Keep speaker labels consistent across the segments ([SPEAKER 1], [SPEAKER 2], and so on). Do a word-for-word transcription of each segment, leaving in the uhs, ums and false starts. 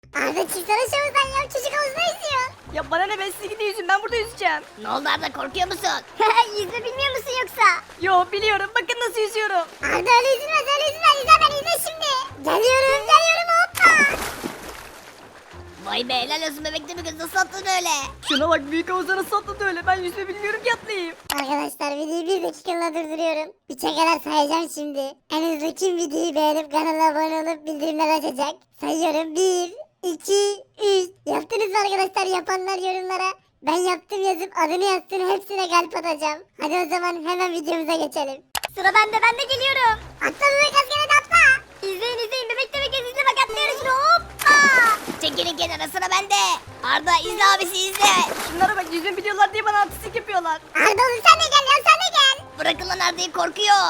[SPEAKER 1] Arda çıksana şuradan ya, çocuk havuzda yüzüyor.
[SPEAKER 2] Ya bana ne, ben size gidin yüzün, ben burada yüzeceğim.
[SPEAKER 3] Ne oldu Arda, korkuyor musun?
[SPEAKER 1] Yüzme bilmiyor musun yoksa?
[SPEAKER 2] Yo, biliyorum, bakın nasıl yüzüyorum.
[SPEAKER 1] Arda öyle yüzülmez, öyle yüzülmez. Yüzer ben, yüzme şimdi. Geliyorum geliyorum, hoppa.
[SPEAKER 3] Vay be, helal olsun bebekte bir kız, nasıl attın öyle?
[SPEAKER 2] Şuna bak, büyük havuza nasıl atladı öyle, ben yüzme bilmiyorum ki atlayayım.
[SPEAKER 1] Arkadaşlar videoyu bir dakikalığına durduruyorum. Üçe kadar sayacağım şimdi. En hızlı kim videoyu beğenip kanala abone olup bildirimler açacak? Sayıyorum. Bir, iki, üç. Yaptınız mı arkadaşlar? Yapanlar yorumlara ben yaptım yazıp adını yazsın, hepsine kalp atacağım. Hadi o zaman hemen videomuza geçelim. Sıra bende, ben de geliyorum. Atla bebek askere de atla. İzleyin izleyin, bebek de bebek izle, bak atlıyoruz şimdi, hoppa.
[SPEAKER 3] Çekilin kenara, sıra bende. Arda izle abisi, izle.
[SPEAKER 2] Şunlara bak, yüzme biliyorlar diye bana artistik yapıyorlar.
[SPEAKER 1] Arda oğlum sen de gel ya, sen de gel.
[SPEAKER 3] Bırakın lan Arda'yı, korkuyor.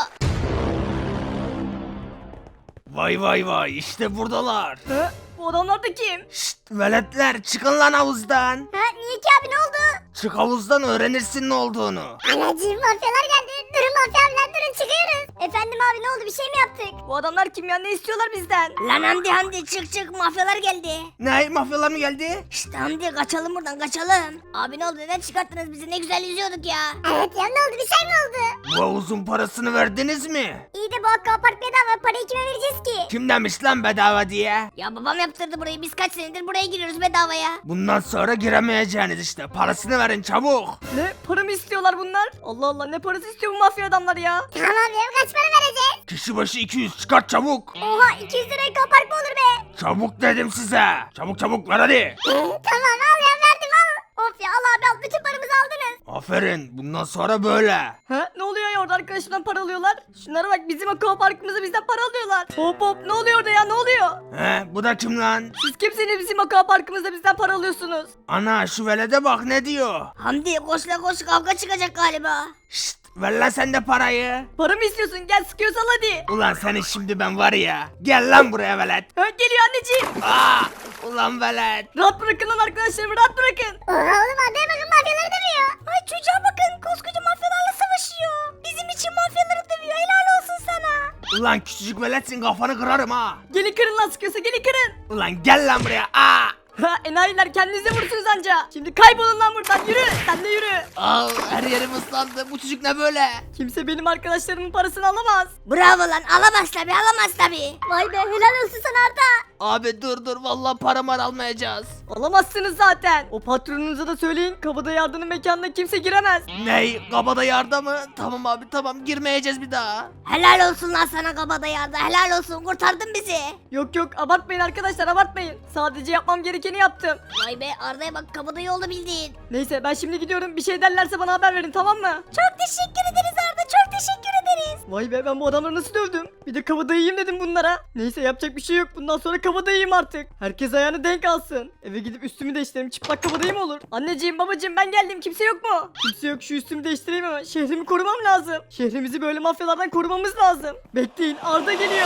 [SPEAKER 4] Vay vay vay, işte buradalar.
[SPEAKER 2] Hı? Bu adamlar da kim?
[SPEAKER 4] Şşt veletler, çıkın lan havuzdan.
[SPEAKER 1] Ha, niye ki abi, ne oldu?
[SPEAKER 4] Çık havuzdan, öğrenirsin ne olduğunu.
[SPEAKER 1] Anacığım, mafyalar geldi. Durun mafya abiler, durun, çıkıyoruz. Efendim abi, ne oldu, bir şey mi yaptık?
[SPEAKER 2] Bu adamlar kim ya, ne istiyorlar bizden?
[SPEAKER 3] Lan Hamdi Hamdi, çık çık, mafyalar geldi.
[SPEAKER 4] Ne, mafyalar mı geldi?
[SPEAKER 3] İşte Hamdi, kaçalım buradan, kaçalım. Abi ne oldu, neden çıkarttınız bizi, ne güzel yüzüyorduk ya.
[SPEAKER 1] Evet ya, ne oldu, bir şey mi oldu?
[SPEAKER 4] Bu havuzun parasını verdiniz mi?
[SPEAKER 1] İyi de bu aquapark bedava, parayı kime vereceğiz ki?
[SPEAKER 4] Kim demiş lan bedava diye?
[SPEAKER 3] Ya babam yaptırdı burayı, biz kaç senedir buraya giriyoruz bedavaya.
[SPEAKER 4] Bundan sonra giremeyeceğiniz işte. Parasını verin çabuk.
[SPEAKER 2] Ne, para mı istiyorlar bunlar? Allah Allah, ne parası istiyor bu mafya adamlar ya?
[SPEAKER 1] Tamam ya, kaç para vereceğiz?
[SPEAKER 4] Kişi başı iki yüz, çıkart çabuk.
[SPEAKER 1] Oha, iki yüz liraya aquapark mı olur be?
[SPEAKER 4] Çabuk dedim size. Çabuk çabuk ver hadi.
[SPEAKER 1] Ee, tamam al ya, verdim al. Of ya, al abi al, bütün paramızı aldınız.
[SPEAKER 4] Aferin, bundan sonra böyle.
[SPEAKER 2] Ha, ne oluyor ya, orada arkadaşımdan para alıyorlar? Şunlara bak, bizim aqua parkımıza bizden para alıyorlar. Hop hop, ne oluyor orada ya, ne oluyor?
[SPEAKER 4] He, bu da kim lan?
[SPEAKER 2] Siz kimsiniz, bizim aqua parkımızda bizden para alıyorsunuz?
[SPEAKER 4] Ana, şu velede bak ne diyor.
[SPEAKER 3] Hamdi koş la koş, kavga çıkacak galiba.
[SPEAKER 4] Şşt, ver lan sen de parayı.
[SPEAKER 2] Para mı istiyorsun, gel sıkıyorsan hadi.
[SPEAKER 4] Ulan seni şimdi ben var ya. Gel lan buraya velet.
[SPEAKER 2] Ha, geliyor anneciğim.
[SPEAKER 4] Aa, ulan velet.
[SPEAKER 2] Rahat bırakın lan arkadaşlarımı, rahat bırakın.
[SPEAKER 1] Oha oğlum, adaya bakın, mafyaları dövüyor. Ay çocuğa bakın, koskoca mafyalarla savaşıyor. Bizim için mafyaları dövüyor, helal olsun sana.
[SPEAKER 4] Ulan küçücük veletsin, kafanı kırarım ha.
[SPEAKER 2] Gelin kırın lan, sıkıyorsa gelin kırın.
[SPEAKER 4] Ulan gel lan buraya. Aa.
[SPEAKER 2] Ha, enayiler, kendinize vursunuz anca. Şimdi kaybolun lan buradan, yürü. Sen de yürü.
[SPEAKER 4] Aa, her yerim ıslandı. Bu çocuk ne böyle?
[SPEAKER 2] Kimse benim arkadaşlarımın parasını alamaz.
[SPEAKER 3] Bravo lan, alamaz tabi, alamaz tabi.
[SPEAKER 1] Vay be, helal olsun sana Arda.
[SPEAKER 4] Abi dur dur, vallahi paramı almayacağız.
[SPEAKER 2] Alamazsınız zaten. O patronunuza da söyleyin, kabadayı yardının mekanına kimse giremez.
[SPEAKER 4] Ney? Kabada yarda mı? Tamam abi tamam, girmeyeceğiz bir daha.
[SPEAKER 3] Helal olsun lan sana kabadayı Arda, helal olsun, kurtardın bizi.
[SPEAKER 2] Yok yok, abartmayın arkadaşlar, abartmayın. Sadece yapmam gerekeni yaptım.
[SPEAKER 3] Vay be, Arda'ya bak, kabadayı oldu bildiğin.
[SPEAKER 2] Neyse, ben şimdi gidiyorum, bir şey derlerse bana haber verin, tamam mı?
[SPEAKER 1] Çok teşekkür ederiz Arda, çok teşekkür ederiz.
[SPEAKER 2] Vay be, ben bu adamları nasıl dövdüm? Bir de kabadayıyım dedim bunlara. Neyse, yapacak bir şey yok, bundan sonra kabadayıyım artık. Herkes ayağını denk alsın. Eve gidip üstümü değiştireyim, çıplak kabadayı mı olur? Anneciğim babacığım, ben geldim, kimse yok mu? Kimse yok, şu üstümü değiştireyim ama şehrimi korumam lazım. Şehrimizi böyle mafyalardan korumamız lazım. Bekleyin, Arda geliyor.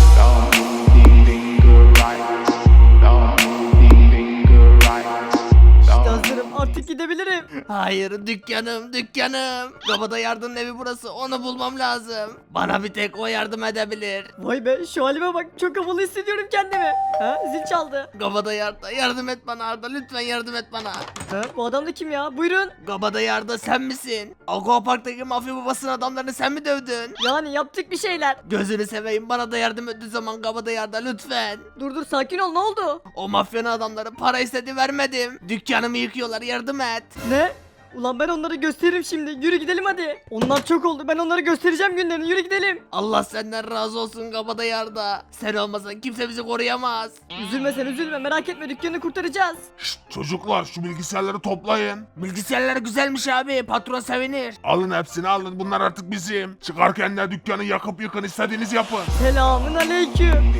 [SPEAKER 2] İşte hazırım, artık gidebilirim.
[SPEAKER 4] Hayır, dükkanım dükkanım. Kabada yardının evi burası, onu bulmam lazım. Bana bir tek o yardım edebilir.
[SPEAKER 2] Vay be, şu halime bak, çok havalı hissediyorum kendimi. Ha, zil çaldı.
[SPEAKER 4] Kabada yarda, yardım et bana Arda, lütfen yardım et bana.
[SPEAKER 2] Ha, bu adam da kim ya? Buyurun.
[SPEAKER 4] Kabada yarda sen misin? Aquapark'taki mafya babasının adamlarını sen mi dövdün?
[SPEAKER 2] Yani yaptık bir şeyler.
[SPEAKER 4] Gözünü seveyim, bana da yardım ettiği zaman kabada yarda lütfen.
[SPEAKER 2] Dur dur, sakin ol, ne oldu?
[SPEAKER 4] O mafyanın adamları para istedi, vermedim. Dükkanımı yıkıyorlar, yardım et.
[SPEAKER 2] Ne? Ulan ben onları gösteririm şimdi. Yürü gidelim hadi. Onlar çok oldu. Ben onları göstereceğim günlerini. Yürü gidelim.
[SPEAKER 4] Allah senden razı olsun kabada yarda. Sen olmasan kimse bizi koruyamaz.
[SPEAKER 2] Üzülme sen, üzülme. Merak etme, dükkanı kurtaracağız.
[SPEAKER 5] Şşt, çocuklar şu bilgisayarları toplayın.
[SPEAKER 4] Bilgisayarlar güzelmiş abi, patron sevinir.
[SPEAKER 5] Alın hepsini alın, bunlar artık bizim. Çıkarken de dükkanı yakıp yıkın, istediğiniz yapın.
[SPEAKER 2] Selamın aleyküm.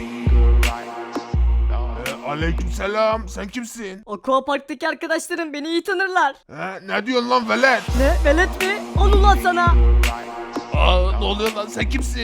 [SPEAKER 5] Ee, aleykümselam, sen kimsin?
[SPEAKER 2] Aquapark'taki arkadaşlarım beni iyi tanırlar.
[SPEAKER 5] He, ne diyorsun lan velet?
[SPEAKER 2] Ne? Velet mi? Al ulan sana.
[SPEAKER 5] Aa, ne oluyor lan, sen kimsin?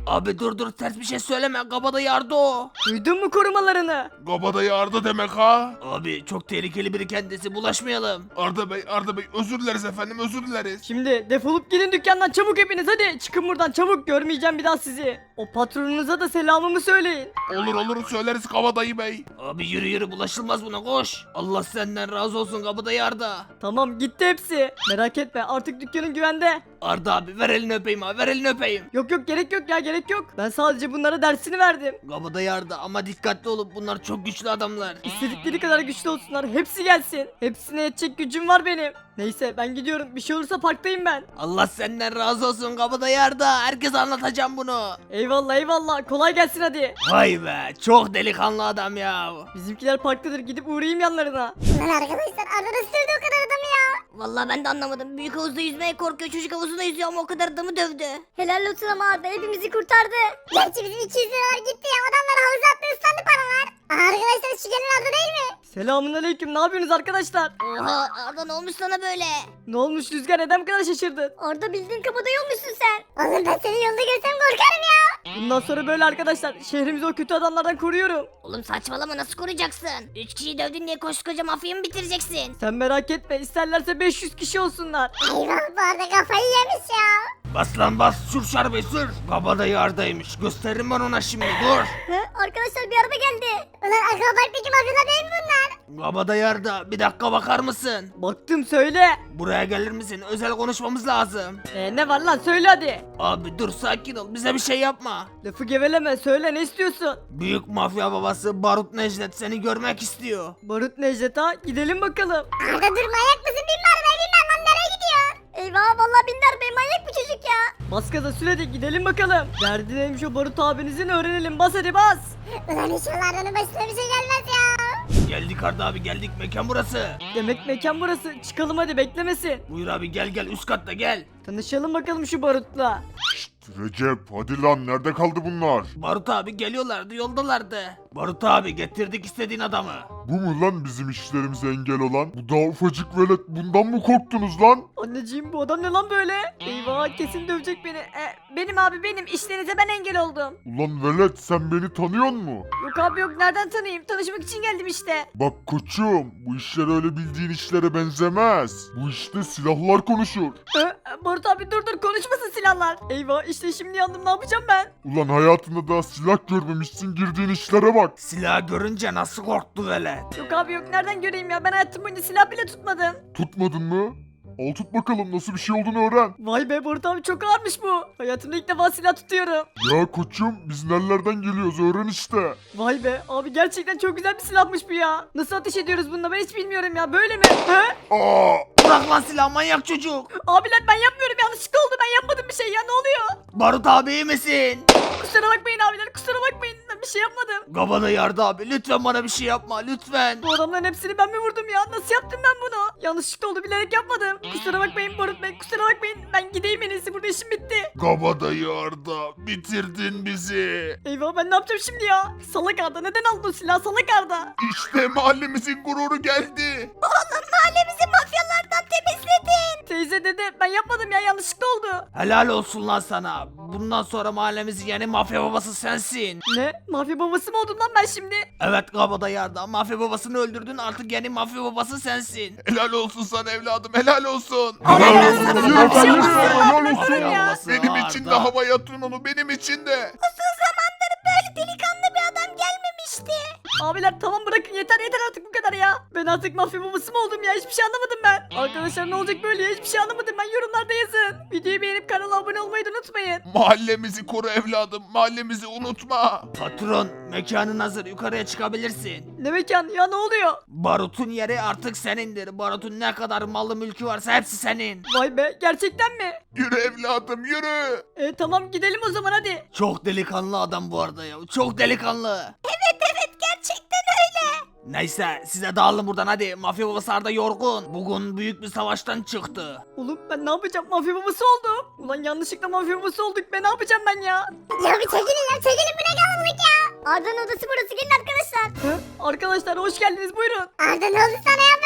[SPEAKER 4] Abi dur dur ters bir şey söyleme kabadayı Arda o.
[SPEAKER 2] Duydun mu korumalarını?
[SPEAKER 5] Kabadayı Arda demek ha?
[SPEAKER 4] Abi çok tehlikeli biri kendisi bulaşmayalım.
[SPEAKER 5] Arda Bey, Arda Bey özür dileriz efendim özür dileriz.
[SPEAKER 2] Şimdi defolup gidin dükkandan çabuk hepiniz hadi. Çıkın buradan çabuk, görmeyeceğim bir daha sizi. O patronunuza da selamımı söyleyin.
[SPEAKER 5] Olur olur söyleriz Kabadayı Bey.
[SPEAKER 4] Abi yürü yürü bulaşılmaz buna koş. Allah senden razı olsun kabadayı Arda.
[SPEAKER 2] Tamam, gitti hepsi. Merak etme, artık dükkanın güvende.
[SPEAKER 4] Arda abi ver elini öpeyim abi ver elini öpeyim.
[SPEAKER 2] Yok yok, gerek yok ya, gerek yok. Ben sadece bunlara dersini verdim.
[SPEAKER 4] Kabadayı Arda ama dikkatli olup bunlar çok güçlü adamlar.
[SPEAKER 2] İstedikleri kadar güçlü olsunlar, hepsi gelsin. Hepsine yetecek gücüm var benim. Neyse ben gidiyorum, bir şey olursa parktayım ben.
[SPEAKER 4] Allah senden razı olsun kabadayı Arda. Herkese anlatacağım bunu.
[SPEAKER 2] Eyvallah eyvallah, kolay gelsin hadi.
[SPEAKER 4] Vay be çok delikanlı adam ya.
[SPEAKER 2] Bizimkiler parktadır, gidip uğrayayım yanlarına.
[SPEAKER 1] Lan arkadaşlar Arda nasıl dövdü o kadar adamı ya?
[SPEAKER 3] Vallahi ben de anlamadım. Büyük havuzda yüzmeye korkuyor. Çocuk havuzunda yüzüyor ama o kadar adamı dövdü.
[SPEAKER 1] Helal olsun ama Arda hepimizi kurtardı. Gerçi bizim iki yüz liralar gitti ya. Adamlar havuza attı ıslandı paralar. Aha arkadaşlar şu gelen Arda değil mi?
[SPEAKER 2] Selamun aleyküm, ne yapıyorsunuz arkadaşlar?
[SPEAKER 3] Oha Arda ne olmuş sana böyle?
[SPEAKER 2] Ne olmuş Rüzgar, neden bu kadar şaşırdın?
[SPEAKER 1] Arda bildiğin kabadayı olmuşsun sen. Oğlum ben seni yolda görsem korkarım ya.
[SPEAKER 2] Bundan sonra böyle arkadaşlar, şehrimizi o kötü adamlardan koruyorum.
[SPEAKER 3] Oğlum saçmalama nasıl koruyacaksın? Üç kişiyi dövdün diye koskoca mafyayı mı bitireceksin?
[SPEAKER 2] Sen merak etme, isterlerse beş yüz kişi olsunlar.
[SPEAKER 1] Eyvah bu Arda kafayı yemiş ya.
[SPEAKER 4] Bas lan bas sür şarbeyi sür. Kabadayı Arda'ymış gösteririm ben ona şimdi dur.
[SPEAKER 1] He, arkadaşlar bir araba geldi. Ulan akrobattaki mafyalar değil mi bunlar?
[SPEAKER 4] Kabadayı Arda bir dakika bakar mısın?
[SPEAKER 2] Baktım, söyle.
[SPEAKER 4] Buraya gelir misin? Özel konuşmamız lazım.
[SPEAKER 2] Ee, ne var lan, söyle hadi.
[SPEAKER 4] Abi dur sakin ol bize bir şey yapma.
[SPEAKER 2] Lafı geveleme, söyle, ne istiyorsun?
[SPEAKER 4] Büyük mafya babası Barut Necdet seni görmek istiyor.
[SPEAKER 2] Barut Necdet ha, gidelim bakalım.
[SPEAKER 1] Arda dur manyak mısın? Binme arabaya binme lan nereye gidiyorsun? Eyvah vallahi bindi arabaya manyak bu çocuk ya.
[SPEAKER 2] Bas gaza sür hadi, gidelim bakalım. Derdi neymiş o Barut abinizin öğrenelim, bas hadi bas.
[SPEAKER 1] Ulan inşallah Arda'nın başına bir şey gelmez ya.
[SPEAKER 4] Geldik Arda abi geldik mekan burası.
[SPEAKER 2] Demek mekan burası, çıkalım hadi, beklemesin.
[SPEAKER 4] Buyur abi gel gel üst katta gel.
[SPEAKER 2] Tanışalım bakalım şu Barut'la.
[SPEAKER 5] Recep hadi lan nerede kaldı bunlar?
[SPEAKER 4] Barut abi geliyorlardı yoldalardı. Barut abi getirdik istediğin adamı.
[SPEAKER 5] Bu mu lan bizim işlerimize engel olan? Bu daha ufacık velet bundan mı korktunuz lan?
[SPEAKER 2] Anneciğim bu adam ne lan böyle? Eyvah, kesin dövecek beni. E, benim abi benim, işlerinize ben engel oldum.
[SPEAKER 5] Ulan velet sen beni tanıyor mu?
[SPEAKER 2] Yok abi yok, nereden tanıyayım? Tanışmak için geldim işte.
[SPEAKER 5] Bak koçum bu işler öyle bildiğin işlere benzemez. Bu işte silahlar konuşur.
[SPEAKER 2] E, Barut abi dur dur, konuşmasın silahlar. Eyvah, işte şimdi yandım, ne yapacağım ben?
[SPEAKER 5] Ulan hayatında daha silah görmemişsin girdiğin işlere bak.
[SPEAKER 4] Silah görünce nasıl korktu velet.
[SPEAKER 2] Yok abi yok, nereden göreyim ya, ben hayatım boyunca silah bile tutmadım.
[SPEAKER 5] Tutmadın mı? Al tut bakalım nasıl bir şey olduğunu öğren.
[SPEAKER 2] Vay be Barut abi, çok ağırmış bu. Hayatımda ilk defa silah tutuyorum.
[SPEAKER 5] Ya koçum biz nerelerden geliyoruz öğren işte.
[SPEAKER 2] Vay be abi, gerçekten çok güzel bir silahmış bu ya. Nasıl ateş ediyoruz bununla, ben hiç bilmiyorum ya, böyle mi? He?
[SPEAKER 5] Aa!
[SPEAKER 4] Bırak lan silah manyak çocuk.
[SPEAKER 2] Abiler ben yapmıyorum, yanlışlıkla oldu, ben yapmadım bir şey ya, ne oluyor?
[SPEAKER 4] Barut abi iyi misin?
[SPEAKER 2] Kusura bakmayın abiler, kusura bakmayın, ben bir şey yapmadım.
[SPEAKER 4] Kabadayı Arda abi lütfen bana bir şey yapma lütfen.
[SPEAKER 2] Bu adamların hepsini ben mi vurdum ya? Nasıl yaptım ben bunu? Yanlışlıkla oldu, bilerek yapmadım. Kusura bakmayın Barut Bey, kusura bakmayın. Ben gideyim en iyisi, burada işim bitti.
[SPEAKER 5] Kabadayı Arda bitirdin bizi.
[SPEAKER 2] Eyvah, ben ne yapacağım şimdi ya? Salak Arda, neden aldın o silahı, salak Arda?
[SPEAKER 5] İşte mahallemizin gururu geldi.
[SPEAKER 3] Oğlum mahallemizi mafyalardan temizledin.
[SPEAKER 2] Teyze dede, ben yapmadım ya, yanlışlıkla oldu.
[SPEAKER 4] Helal olsun lan sana. Bundan sonra mahallemizin yeni mafya babası sensin.
[SPEAKER 2] Ne? Mafya babası mı oldum lan ben şimdi?
[SPEAKER 4] Evet Kabadayı Arda mafya babasını öldürdün artık yeni mafya babası sensin.
[SPEAKER 5] Helal olsun sana evladım helal olsun.
[SPEAKER 2] Helal olsun sana,
[SPEAKER 5] Helal
[SPEAKER 2] bir şey olmaz.
[SPEAKER 5] helal
[SPEAKER 2] Helal
[SPEAKER 5] olsun.
[SPEAKER 2] ya.
[SPEAKER 5] Benim için de
[SPEAKER 4] Arda.
[SPEAKER 5] havaya atın onu benim için de.
[SPEAKER 3] Uzun zamandır böyle delikanlı bir adam gelmemişti.
[SPEAKER 2] Abiler tamam, bırakın, yeter yeter artık bu kadar ya. Ben artık mafya babası mı oldum ya, hiçbir şey anlamadım ben. Arkadaşlar ne olacak böyle ya, hiçbir şey anlamadım ben, yorumlarda yazın. Videoyu beğenip kanala abone olmayı da unutmayın.
[SPEAKER 5] Mahallemizi koru evladım mahallemizi unutma.
[SPEAKER 4] Patron mekanın hazır yukarıya çıkabilirsin.
[SPEAKER 2] Ne mekan ya, ne oluyor?
[SPEAKER 4] Barut'un yeri artık senindir. Barut'un ne kadar malı mülkü varsa hepsi senin.
[SPEAKER 2] Vay be, gerçekten mi?
[SPEAKER 5] Yürü evladım yürü.
[SPEAKER 2] E tamam, gidelim o zaman hadi.
[SPEAKER 4] Çok delikanlı adam bu arada ya. Çok delikanlı.
[SPEAKER 3] Evet evet gerçekten öyle.
[SPEAKER 4] Neyse size dağılın buradan hadi. Mafya babası Arda yorgun. Bugün büyük bir savaştan çıktı.
[SPEAKER 2] Oğlum ben ne yapacağım, mafya babası oldum. Ulan yanlışlıkla mafya babası olduk, ben ne yapacağım ben ya?
[SPEAKER 1] Ya bir çekilin ya çekilin bu ne kalabalık ya. Arda'nın odası burası gelin arkadaşlar.
[SPEAKER 2] Hı? Arkadaşlar hoş geldiniz, buyurun.
[SPEAKER 1] Arda ne oldu sana ya böyle?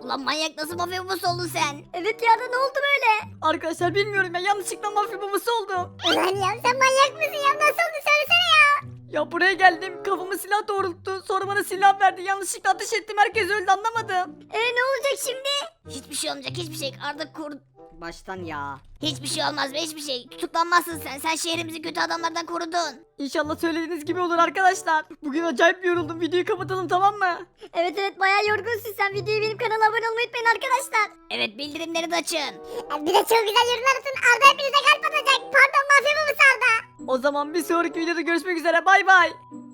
[SPEAKER 3] Ulan manyak nasıl mafya babası oldun sen?
[SPEAKER 1] Evet ya da ne oldu böyle?
[SPEAKER 2] Arkadaşlar bilmiyorum ya yanlışlıkla mafya babası oldum.
[SPEAKER 1] Ulan ya sen manyak mısın ya? Nasıl oldu söylesene ya.
[SPEAKER 2] Ya buraya geldim kafama silah doğrulttu sonra bana silah verdi yanlışlıkla ateş ettim herkes öldü anlamadım.
[SPEAKER 1] E ne olacak şimdi?
[SPEAKER 3] Hiçbir şey olmayacak hiçbir şey. Arda kur...
[SPEAKER 2] Baştan ya.
[SPEAKER 3] Hiçbir şey olmaz be hiçbir şey. Tutuklanmazsın sen. Sen şehrimizi kötü adamlardan korudun.
[SPEAKER 2] İnşallah söylediğiniz gibi olur arkadaşlar. Bugün acayip yoruldum videoyu kapatalım tamam mı?
[SPEAKER 1] Evet evet bayağı yorgunsun sen. Videoyu benim kanala abone olmayı unutmayın arkadaşlar.
[SPEAKER 3] Evet bildirimleri de açın.
[SPEAKER 1] Bir de çok güzel yorumlar atın. Arda hepinize kalp atacak. Pardon mafya babası Arda.
[SPEAKER 2] O zaman bir sonraki videoda görüşmek üzere bay bay.